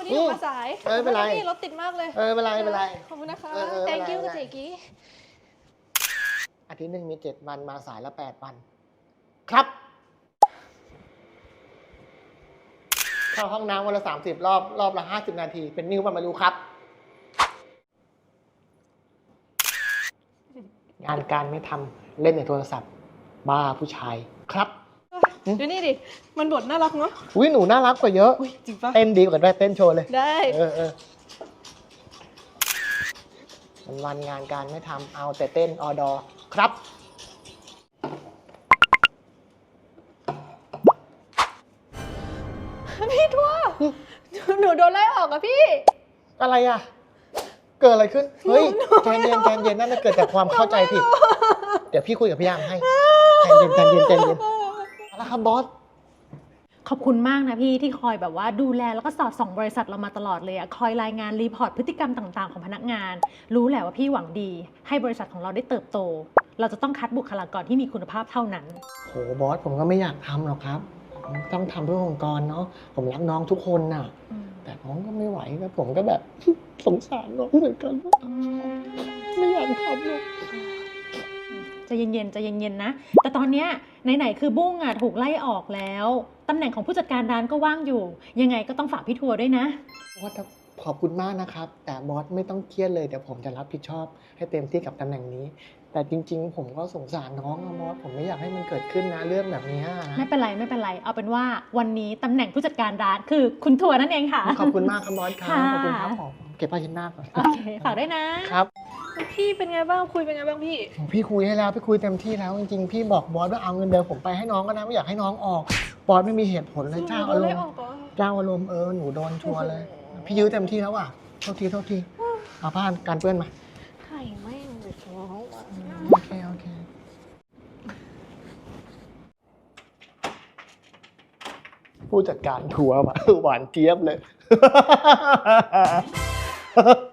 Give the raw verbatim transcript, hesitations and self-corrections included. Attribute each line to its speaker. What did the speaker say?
Speaker 1: นี้ออกมาสาย
Speaker 2: เออไม่เป็นไร
Speaker 1: รถติดมากเลย
Speaker 2: เออไม่เป็นไรไม่เป็นไร
Speaker 1: ขอบคุณนะคะ thank you กับเจกี้
Speaker 2: อาทิตย์หนึ่งมีเจ็ดวันมาสายละแปดวันครับเข้าห้องน้ำวันละสามสิบรอบรอบละห้าสิบนาทีเป็นนิ้วมันมารู้ครับงานการไม่ทำเล่นในโทรศัพท์บ้าผู้ชายครับ
Speaker 1: ดูนี่ดิมันบทน่ารักเนาะ
Speaker 2: อุ้ยหนูน่ารักกว่าเยอะ
Speaker 1: จริงปะ
Speaker 2: เต้นดีกว่าด้วยเต้นโชว์เลย
Speaker 1: ได้
Speaker 2: เออเออวันวันงานการไม่ทำเอาแต่เต้นออดอครับ
Speaker 1: พี่ทัวร์หนูโดนไล่ออกอะพี่
Speaker 2: อะไรอ่ะเกิดอะไรขึ้นเฮ้ยใจเย็นใจเย็นนั่นเกิดจากความเข้าใจผิดเดี๋ยวพี่คุยกับพี่ยามให้ใจเย็นใจเย็นใจเย็นแล้วครับบอส
Speaker 3: ขอบคุณมากนะพี่ที่คอยแบบว่าดูแลแล้วก็สอดส่องบริษัทเรามาตลอดเลยอะคอยรายงานรีพอร์ตพฤติกรรมต่างๆของพนักงานรู้แหละว่าพี่หวังดีให้บริษัทของเราได้เติบโตเราจะต้องคัดบุคลากรที่มีคุณภาพเท่านั้น
Speaker 2: โหบอสผมก็ไม่อยากทำหรอกครับต้องทำเพื่อองค์กรเนาะผมรักน้องทุกคนน่ะแต่น้องก็ไม่ไหวแล้วผมก็แบบสงสารน้องเหมือนกันไม่อยากทำหรอก
Speaker 3: จะเย็นๆจะเย็นๆนะแต่ตอนเนี้ยไหนๆคือบุ้งอ่ะถูกไล่ออกแล้วตำแหน่งของผู้จัดการร้านก็ว่างอยู่ยังไงก็ต้องฝากพี่ทัวร์ด้วยนะ
Speaker 2: บอสขอบคุณมากนะครับแต่บอสไม่ต้องเครียดเลยเดี๋ยวผมจะรับผิดชอบให้เต็มที่กับตำแหน่งนี้แต่จริงๆผมก็สงสารน้องอะบอสผมไม่อยากให้มันเกิดขึ้นนะเรื่องแบบนี้นะ
Speaker 3: ไม่เป็นไรไม่เป็นไรเอาเป็นว่าวันนี้ตำแหน่งผู้จัดการร้านคือคุณทัวร์นั่นเองค่ะ
Speaker 2: ขอบคุณมากครับบอสครับขอบคุณครับผมเก็บผ้าเช็ดหน้าก่อน
Speaker 3: โอเคฝากได้นะครับ
Speaker 1: พี่เป็นไงบ้างคุยเป็นไงบ้างพี่
Speaker 2: พี่คุยให้แล้วพี่คุยเต็มที่แล้วจริงๆพี่บอกบอสว่าเอาเงินเดือนผมไปให้น้องก็นะไม่อยากให้น้องออกบอสไม่มีเหตุผลเลยเจ้าอารมณ์เจ้าอารมณ์เออหนูโดนชัวร์เลยพี่ยื้อเต็มที่แล้วอ่ะโทษทีโทษทีเอาผ้ากันเปื้อนมา
Speaker 1: ไข่ไม่เลยท้อง
Speaker 2: โอเคโอเคผู้จัดการทัวร์มาหวานเจี๊ยบเลย